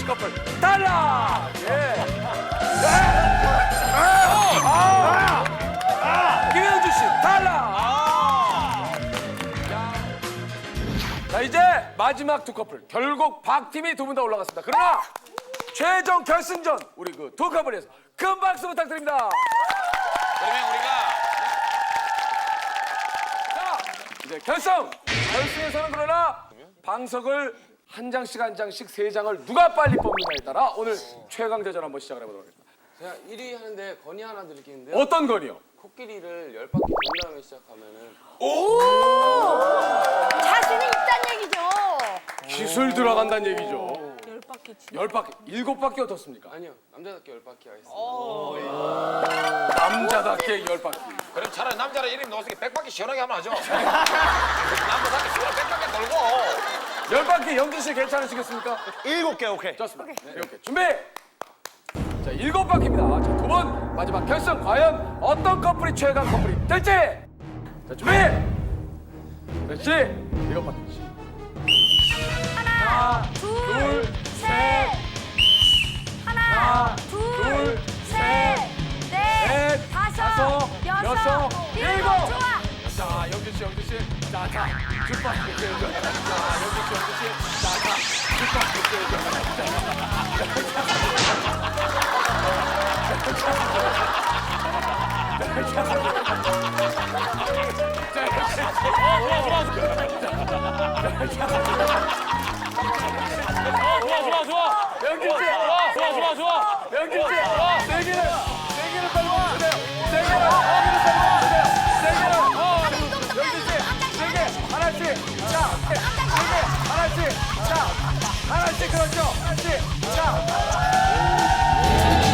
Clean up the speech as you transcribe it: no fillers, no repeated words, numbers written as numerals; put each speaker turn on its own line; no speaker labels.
씨 커플 탈락. 예. 김현주 씨 탈락. 자 이제 마지막 두 커플 결국 박 팀이 두 분 다 올라갔습니다. 그러나 최종 결승전 우리 그 두 커플에서 큰 박수 부탁드립니다.
그러면 우리가
자 이제 결승에서는 그러나 방석을 한 장씩 한 장씩 세 장을 누가 빨리 뽑느냐에 따라 오늘 최강 대전 한번 시작을 해보도록 하겠습니다.
제가 1위 하는데 건의 하나 드리겠는데요.
어떤 건이요?
코끼리를 10바퀴 돈 다음에 시작하면은
자신이 있단 얘기죠.
기술 들어간다는 얘기죠.
10바퀴 치.
10바퀴, 7바퀴 어떻습니까?
아니요, 남자답게 10바퀴 하겠습니다.
남자답게 10바퀴.
그럼 차라리 남자라 이름 넣었으니 100바퀴 시원하게 하면 하죠. 남자답게 시원하게 100바퀴 돌고.
10바퀴 영진 씨 괜찮으시겠습니까?
7개 오케이.
좋습니다. 네, 이렇게 준비! 자, 7바퀴입니다. 자, 두 번 마지막 결승 과연 어떤 커플이 최강 커플이 될지! 자, 준비! 그렇지! 7바퀴.
하나, 둘, 셋. 하나, 둘, 셋, 넷, 다섯, 여섯, 일곱. 좋아.
자, 영진 씨. 자, 줍박퀴. 자, 영진 씨. 자, 줍박퀴.
좋아.
영진 씨.
좋아.
영진 씨. 세기를 빨리 와주세요. 세기를 빨리 와주세요. 세기를. 영진 씨. 세개 하나씩. 자, 세개 하나씩. 자, 하나씩 그렇죠. 하나씩. 자.